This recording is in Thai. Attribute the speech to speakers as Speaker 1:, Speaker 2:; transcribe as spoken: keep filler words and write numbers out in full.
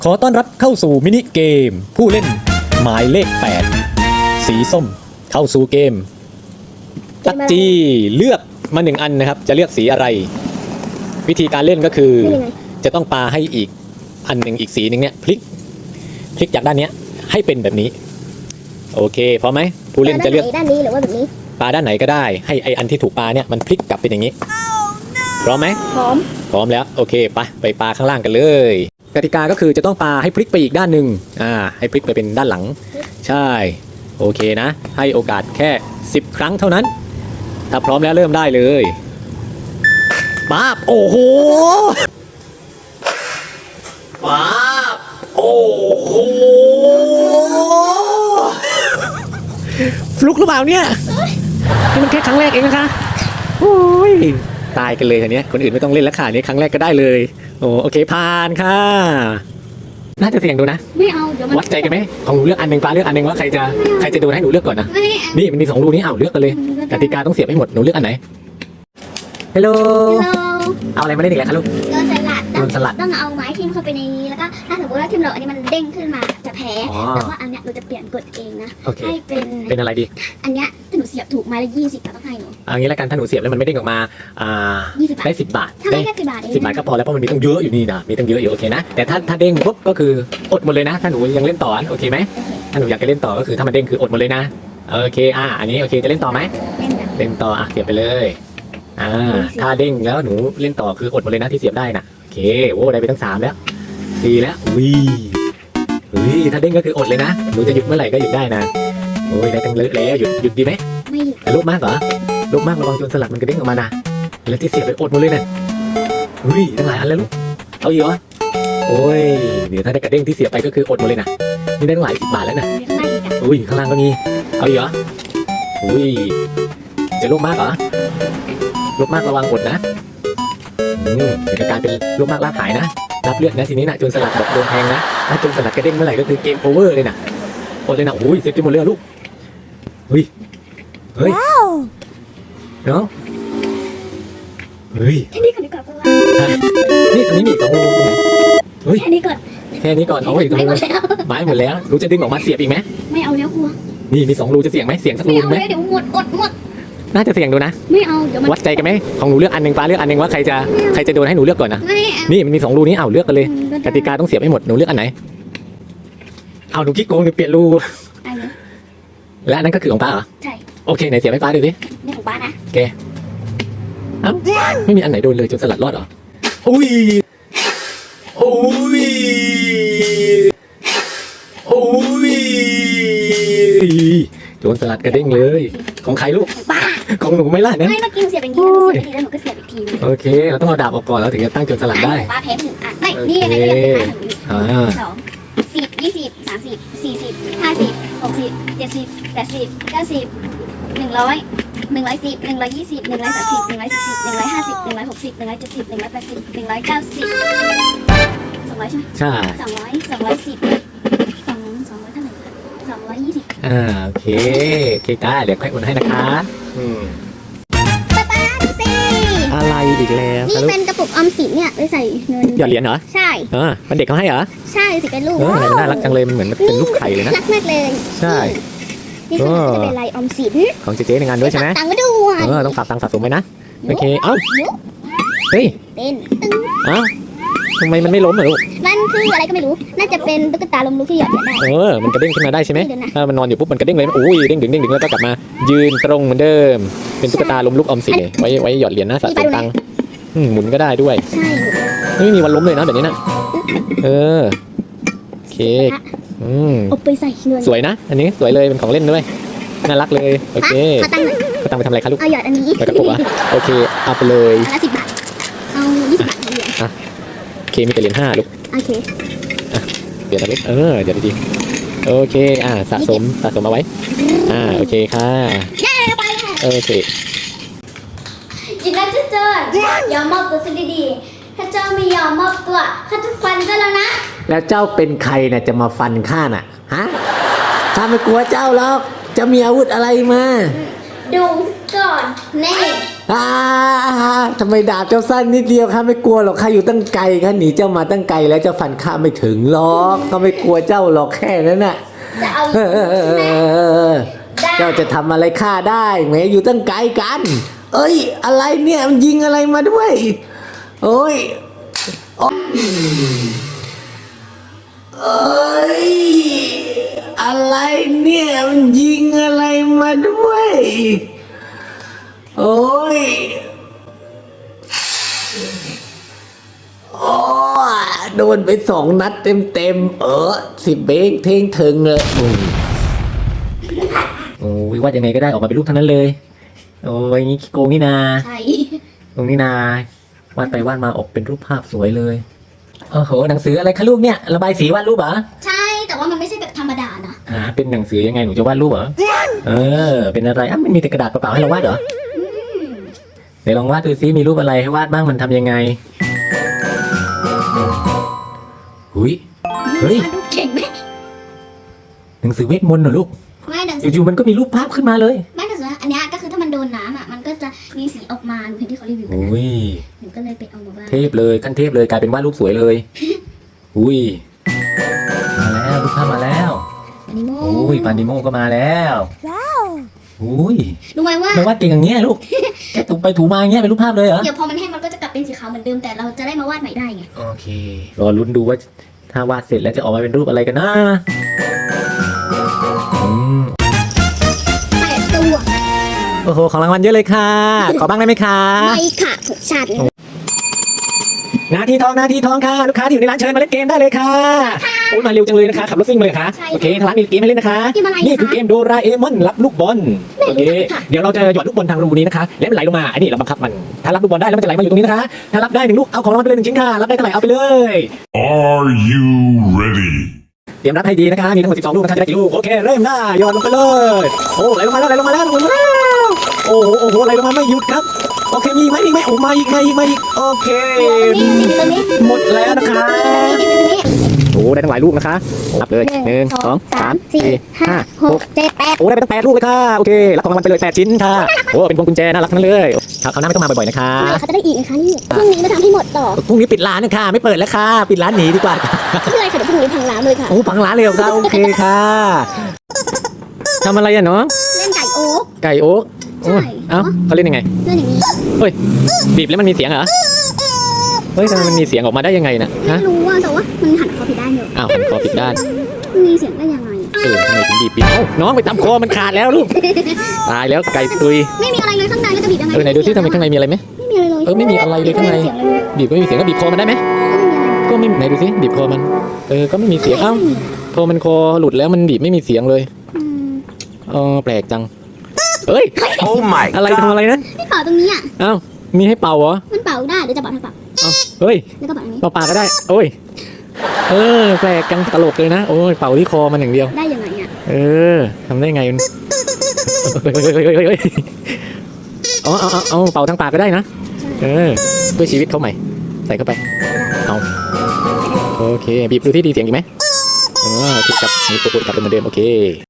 Speaker 1: ขอต้อนรับเข้าสู่มินิเกมผู้เล่นหมายเลขแปดสีส้มเข้าสู่เกมตักจีเลือกมาหนึ่งอันนะครับจะเลือกสีอะไรวิธีการเล่นก็คือจะต้องปาให้อีกอันหนึ่งอีกสีหนึ่งเนี่ยพลิกพลิกจากด้านนี้ให้เป็นแบบนี้โอเคพร้อมไหมผู้เล่นจะเลือก
Speaker 2: ด้านนี้หรือว่าแบบนี้
Speaker 1: ปาด้านไหนก็ได้ให้ไออันที่ถูกปาเนี่ยมันพลิกกลับเป็นอย่างนี้พร้อมไหม
Speaker 2: พร้อม
Speaker 1: พร้อมแล้วโอเคไปไปปาข้างล่างกันเลยกติกาก็คือจะต้องปาให้พลิกไปอีกด้านหนึ่งอ่าให้พลิกไปเป็นด้านหลังใช่โอเคนะให้โอกาสแค่สิบครั้งเท่านั้นถ้าพร้อมแล้วเริ่มได้เลยป๊าบโอ้โหป๊าบโอ้โหฟลุกหรือเปล่าเนี่ยนี่มันแค่ครั้งแรกเองนะคะโอ้ยตายกันเลยทีนี้คนอื่นไม่ต้องเล่นแล้วค่ะนี่ครั้งแรกก็ได้เลยโอ้โอเคผ่านค่ะน่าจะเสี่ยงดูนะ
Speaker 2: ไม่เอาเดี๋ยวมัน
Speaker 1: วัดใจกันไหมของหนูเลือกอันหนึ่งฟ้าเลือกอันหนึ่งว่าใครจะใครจะโดนให้หนูเลือกก่อนนะนี่มันมีสองรูนี้เอาเลือกกันเลยกติกาต้องเสียบให้หมดหนูเลือกอันไหนฮัลโหลเอาอะไรมาเล่นอีกแล้วคะลูก
Speaker 2: โดนสลัด
Speaker 1: โดนสลัด
Speaker 2: ต้องเอาไม้ทิ่มเข้าไปในนี้แล้วก็ถ้าสมมติว่าทิ่มเราอันนี้มันเด้งขึ้นมาจะแพ้แต่ว่าอันเนี้ยเราจะเปลี่ยนกฎเองนะให้เป็น
Speaker 1: เป็นอะไรดี
Speaker 2: อันเนี้ยถ้าหนูเสียบถูกไม้ละยี่สิบเราต้องให้หนู
Speaker 1: อันนี้แล้วกันถ้าหนูเสียบแล้วมันไม่เด้งออกมาอ่าได้สิบบาท
Speaker 2: ถ้าไม่แค่สิบบาทเอง
Speaker 1: สิบบาทก็พอแล้วเพราะมันมีต้องเยอะอยู่นี่นะมีต้องเยอะอยู่โอเคนะแต่ถ้าถ้าเด้งปุ๊บก็คืออดหมดเลยนะถ้าหนูยังเล่นต่อโอเคไหมถ้าหนูอยากจะเล่นต่อก็คือถ้ามันเด้งคืออดหมดเลยนะโอเคอ่ะอันนี้โอเคจะเล่นต่อไหมเล่นต่ออ่ะเสียบไปเลยอ่าถ้าเด้งแล้วหนูเล่นต่อคืออดหมดเลยนะที่เสียบได้นะโอเคโอ้ได้ไปตั้งสามแล้วสี่แล้ววิวิถ้าเด้งก็คืออดเลยนะหนูจะหยุดเมื่อไหร่ก็หยุดได้นะโอ้ยได้ตั้งเลอะแล้วหยุดหยุดดีไหม
Speaker 2: ไม่หยุด
Speaker 1: แต่ลูกมากเหรอลูกมากระวังโจรสลัดมันกระเด้งออกมานะแล้วที่เสียบไปอดหมดเลยนะวิตั้งหลายอันแล้วลูกเอาอีกเหรอโอ้ยเดี๋ยวถ้าได้กระเด้งที่เสียบไปก็คืออดหมดเลยนะนี่ได้ตั้งหลายสิบบาทแล้วนะอุ้ยข้างล่างก็มีเอาอีกเหรออุ้ยจะลูกมากเหรอลูกมากระวังอดนะอืมเดี๋ยวจะกลายเป็นลูกมากลากหายนะรับเลือดนะทีนี้นะโจรสลัดบอกโดนแทงนะถ้าโจรสลัดกระเด้งเมื่อไหร่ก็คือเกมโอเวอร์เลยนะอดเลยนะโอ้ยเซฟไปหมดเลยลูกเฮ้ยเฮ้ยเนาะเฮ้ย
Speaker 2: แค่นี้ก่อนดีกว่า
Speaker 1: นี่ตรงนี้มีสองรูเฮ้ย
Speaker 2: แค่นี้ก่อน
Speaker 1: แค่นี้ก่อนเอาไว้ตรงนี้ไม้หมดแล้วรู้จะดึงออกมาเสียบอีกไหม
Speaker 2: ไม่เอาแล้วกลัว
Speaker 1: นี่มีสองรูจะเสี่ยงไหมเสี่ยงสักรูไหม
Speaker 2: ไม่เอาเดี๋ยวหมดอดหมด
Speaker 1: น่าจะเสี่ยงดูนะ
Speaker 2: ไม่เอาเดี๋ยวมัน
Speaker 1: วัดใจกันไหมของหนูเลือกอันหนึ่งฟ้าเลือกอันหนึ่งว่าใครจะใครจะโดนให้หนูเลือกก่อนนะนี่มันมีสองรูนี้เอาเลือกกันเลยกติกาต้องเสียบให้หมดหนูเลือกอันไหนเอาหนูขี้โกงหนูเปลี่ยนรูและอันนั้นก็คือของป้าเหรอ
Speaker 2: ใช่
Speaker 1: โอเคไหนเสียบให้ป้าดูสิ
Speaker 2: นี่ของป้านะ
Speaker 1: แกอ้าวไม่มีอันไหนโดนเลยจนสลัดรอดเหรออุ้ยอุ้ยอุ้ยโจรสลัดกระเด้งเลยของใครลูก
Speaker 2: ป้า
Speaker 1: ของหนูไม่ล่ะเนี่ย
Speaker 2: ไม่เมื่อกี้เสียบอย่างนี้แล้วเสียบอีกทีแล้วหนูก็เสียบอีกที
Speaker 1: โอเคเราต้องเอาดาบออกก่อนแล้วถึงจะตั้งโจรสลัดได้
Speaker 2: ป้าแพ้หนึ่งอ่ะไม่นี่ไงนี่ไงสองสิบยี่สิบสามสิบสี่สิบห้าสิบหกสิบเจ็ดสิบแปดสิบเก้าสิบหนึ่งร้อยหนึ่งร้อยสิบหนึ่งร้อยยี่สิบหนึ่งร้อยสามสิบหนึ่งร้อยสี่สิบหนึ่งร้อยห้าสิบหนึ่งร้อยหกสิบหนึ่งร้อยเจ็ดสิบหนึ่งร้อยแปดสิบหนึ่งร้อยเก้าสิบสองร้อยใช่ไหม
Speaker 1: ใช่
Speaker 2: สองร้อยสองร้อยสิบสองสองร้อยเท่าไหร่สองร้อยยี่สิบ
Speaker 1: อ่าโอเคโอเคได้เดี๋ยวค่อยโอนให้นะคะอืม
Speaker 2: ป้าป้าสิ
Speaker 1: อะไรอีกแล้ว
Speaker 2: นี่เป็นกระปุกออมสินเนี่ยไว้ใส่เงิน
Speaker 1: หยอดเหรียญเหรอ
Speaker 2: ใช่
Speaker 1: เออมันเด็กเขาให้เหรอ
Speaker 2: ใช่สิเป็นลูก
Speaker 1: เออมันน่ารักจังเลยมันเหมือนเป็นลูกไข่เลยนะ
Speaker 2: รักมากเลย
Speaker 1: ใช่
Speaker 2: นี่คือจะเป็นลายออมสิน
Speaker 1: ของเจ๊ในงานด้วยใช่ไหม
Speaker 2: ตังค์มาด้วย
Speaker 1: เออต้องฝากตังค์สะสมไว้นะโอเคเอ้าเฮ้ย
Speaker 2: เต้น
Speaker 1: เอ้าทำไมมันไม่ล้มเหรอลูก
Speaker 2: มันคืออะไรก็ไม่รู้น่าจะเป็นตุ๊กตาลมลุกที่หยอดเหรียญได้
Speaker 1: เออมันกระเด้งขึ้นมาได้ใช่ไหมถ้ามันนอนอยู่ปุ๊บมันกระเด้งเลยอุ้ยเด้งดึงเด้งดึงแล้วก็กลับมายืนตรงเหมือนเดิมเป็นตุ๊กตาลมลุกออมสินไว้ไว้หยอดเหรียญนะสะสมตังค์หมุนก็ได้ด้วย
Speaker 2: ใช่
Speaker 1: ไม่มีวันล้มเลยนะแบบนี้นะเออโอเคอืม
Speaker 2: เอาไปใส่เงิน
Speaker 1: สวยนะอันนี้สวยเลยเป็นของเล่นด้วยน่ารักเลยโอเค
Speaker 2: ขอตังค์หน่อย
Speaker 1: ขอตังค์ไปทำอะไรคะลูก
Speaker 2: เอาหยอดอันนี้
Speaker 1: ไปกระปุกอ่ะโอเคเอาไปเลย
Speaker 2: อันละสิบบาทเอายี่สิบบาทเหรียญ
Speaker 1: อ่ะโอเคมีแต่เหรียญห้าลูก
Speaker 2: โอเค
Speaker 1: อ่ะเดี๋ยวเล็กเออเดี๋ยวดีโอเคอ่ะสะสมสะสมเอาไว้อ่าโอเคค่ะโอเค
Speaker 2: ยินดีที่เจอยอมมอบตัวซะดีๆถ้าเจ้าไม่ยอมมอบตัวข้าจะฟันเจ้าแล้วนะ
Speaker 1: แล้วเจ้าเป็นใครน่ะจะมาฟันข้าน่ะฮะข้าไม่กลัวเจ้าหรอกจะมีอาวุธอะไรมา
Speaker 2: ดูก่อนแน่
Speaker 1: อ่าทำไมดาบเจ้าสั้นนิดเดียวข้าไม่กลัวหรอกข้าอยู่ตั้งไกลข้าหนีเจ้ามาตั้งไกลแล้วเจ้าฟันข้าไม่ถึงหรอกข้าไม่กลัวเจ้าหรอกแค่นั้นน่ะ
Speaker 2: จะเอา
Speaker 1: เออเจ้าจะทำอะไรข้าได้แหมอยู่ตั้งไกลกัน เอ้ย อะไรเนี่ยมันยิงอะไรมาด้วย โอ้ยโอ้ยเอ้ยอะไรเนี่ยมันยิงอะไรมาด้วย โอ้ยโอ้โดนไปสองนัดเต็มเต็มๆเออสิบเบงเท่งถึงเลยโอ้ยโอ้ยว่ายังไงก็ได้ออกมาเป็นรูปทั้งนั้นเลย โอ้ยงี้ขี้โกงนี่นา
Speaker 2: ใช่
Speaker 1: ตรงนี้นาวาดไปวาดมาออกเป็นรูปภาพสวยเลยโอ้โหหนังสืออะไรคะลูกเนี่ยระบายสีวาดรูปเหรอ
Speaker 2: ใช่แต่ว่ามันไม่ใช่แบบธรรมดานะ
Speaker 1: อ่าเป็นหนังสือยังไงหนูจะวาดรูปเหรอเออเป็นอะไรอ่ะมันมีแต่กระดาษเปล่าๆให้เราวาดเหรอเดี๋ยวลองวาดดูซิมีรูปอะไรให้วาดบ้างมันทำยังไงหุยเฮ้ย
Speaker 2: ดูเก่งไหม
Speaker 1: หนังสือเวทมนต์เหรอลูก
Speaker 2: ไม่หนังสือ
Speaker 1: อยู่ๆมันก็มีรูปภาพขึ้นมาเลย
Speaker 2: ไม่หนังสืออันเนี้ยก็คือถ้ามันโดนน้ำอ่ะมันก็จะมีสีออกมาเหมือนที่เขารีวิวกัน
Speaker 1: อุ้ย
Speaker 2: หนูก็เลยไปเอามาบ้าง
Speaker 1: เทพเลยขั้นเทพเลยกลายเป็นวาดรูปสวยเลยอุ้ยมาแล้วรูปภาพมาแล้ว
Speaker 2: อันนี้โม่
Speaker 1: อุ้ยปานดิโมก็มาแล้วอุ้ย
Speaker 2: รู้ไหมว่า
Speaker 1: ไม่วาดเก่งอย่างเงี้ยลูกแกถูไปถูมาอย่างเงี้ยเป็นรูปภาพเลยเหรอ
Speaker 2: เดี๋ยวพอมันแห้งมันก็จะกลับเป็นสีขาวเหมือนเดิมแต่เราจะได้มาวาดใหม่ได้ไง
Speaker 1: โอเครอลุ้นดูว่าถ้าวาดเสร็จแล้วจะออกมาเป็นรูปอะไรกันนะอืม
Speaker 2: แปดตัว
Speaker 1: โอ้โหของรางวัลเยอะเลยค่ะ ขอบ้างได้ไหมคะ
Speaker 2: ไม่ค่ะหกชาติ
Speaker 1: นาทีทองนาทีทองค่ะลูกค้าที่อยู่ในร้านเชิญมาเล่นเกมได้เลยค่ะโอ้ยมาเร็วจังเลยนะคะขับรถซิ่งมาเลยค่ะโอเคทางร้านมีเกมให้เล่นนะคะนี่คือเกมโดราเอมอนรับลูกบอลโอเคเดี๋ยวเราจะหยอดลูกบอลทางรูนี้นะคะแล้วมันไหลลงมาอันนี้เราบังคับมันถ้ารับลูกบอลได้แล้วมันจะไหลมาอยู่ตรงนี้นะคะถ้ารับได้หนึ่งลูกเอาของรางวัลไปเลยหนึ่งชิ้นค่ะรับได้เท่าไหร่เอาไปเลย
Speaker 3: Are you ready?
Speaker 1: เตรียมรับให้ดีนะคะมีทั้งหมดสิบสองลูกนะคะจะได้กี่ลูกโอเคเริ่มได้หยอดลงไปเลยโอ้ไหลลงมาแล้วไหลลงมาแล้วไหลลงมาแล้วโอ้โหโอ้โหไหลลงมาไม่หยุดครับโอเคมีไหมมีไหมโอ้มาอีกมาอีกมาอีกโอเค
Speaker 2: ตัวนี้
Speaker 1: หมดแล้วนะคะโอ้ได้ทั้งหลายลูกนะคะรับเลยหนึ่งสองสามสี่ห้าหก
Speaker 2: เจ็ดแปด
Speaker 1: โอ้ได้ไปตั้งแปดลูกเลยค่ะโอเครับของรางวัลไปเลยแปดชิ้นค่ะโอ้เป็นพวงกุญแจน่ารักทั้งนั้นเลยครับคราวหน้าไม่ต้องมาบ่อยๆนะคะ
Speaker 2: ไม่เขาจะได้อีกนะคะนี่พรุ่งนี้มาทำให้หมดต่อ
Speaker 1: พรุ่งนี้ปิดร้านนะคะไม่เปิดแล้วค่ะปิดร้านหนีดีกว่า
Speaker 2: ไม่เป็นไรค่ะเดี๋ยวพรุ่งนี้พังร้านเลยค่ะ
Speaker 1: โอ้พังร้านเลยเหรอค่ะโอเคค่ะทำอะไรอ่ะเนาะ
Speaker 2: เล่นไก่โอ๊ก
Speaker 1: ไก่โอ๊ก
Speaker 2: ใช่
Speaker 1: เอ้าเขาเล่นยังไง
Speaker 2: เล่นอย่างนี้
Speaker 1: บีบแล้วมันมีเสียงเหรอเฮ้ยทำไมมันมีเสียงออกมาได้ยังไงน่ะฮะ
Speaker 2: ไม่รู้ว่าแต่ว่ามันหันคอผิดด้านอยู่
Speaker 1: อ้าวหันคอผิดด้าน
Speaker 2: มันมีเสียงได้ยังไง
Speaker 1: เออทำไมถึงบีบปิดเอ้าน้องไปตำคอมันขาดแล้วลูกตายแล้วไก่ตุย
Speaker 2: ไม่มีอะไรเลยข้างในแล้วจะบีบยังไง
Speaker 1: เออไหนดูซิทำไมข้างในมีอะไรไหม
Speaker 2: ไม่มีอะไรเลย
Speaker 1: เออไม่มีอะไรเลยข้างใน
Speaker 2: ม่มีสียงเลย
Speaker 1: บีบก็ไม่มีเสียงก็บีบคอมันได้ไหม
Speaker 2: ก็ไม่มีอะไร
Speaker 1: ก็ไม่ไหนดูซิบีบคอมันเออก็ไม่มีเสียงเอ้าพอมันคอหลุดแล้วมันบีบไม่มีเสียงเลย
Speaker 2: อืม
Speaker 1: เออแปลกจังเอ้ย
Speaker 3: Oh my
Speaker 1: อะไรทำอะไรนะ
Speaker 2: ไม่เป่าตรงนี้อ่ะ
Speaker 1: เอ้ามีให้เป่าเหรอ
Speaker 2: มันเป่าได้เดี๋ยวจะเป่าทางเป่า
Speaker 1: เอ้าเฮ้ย
Speaker 2: แล้วก็เป่าทางนี้
Speaker 1: เป่าปากก็ได้โอ้ยเออแปลกจังตลกเลยนะโอ้ยเป่าที่คอมันอย่างเดียว
Speaker 2: ได้ยังไงอ่ะ
Speaker 1: เออทำได้ไงมันเฮ้ยเฮ้ยเฮ้ยเฮ้ยเฮ้ยเอาเอาเอาเอาเป่าทางปากก็ได้นะเออเพื่อชีวิตเขาใหม่ใส่เข้าไปเอาโอเคบีบดูที่ดีเสียงอีกไหมเออคลิกกลับมีตัวกดกลับเป็นเหมือนเดิมโอเค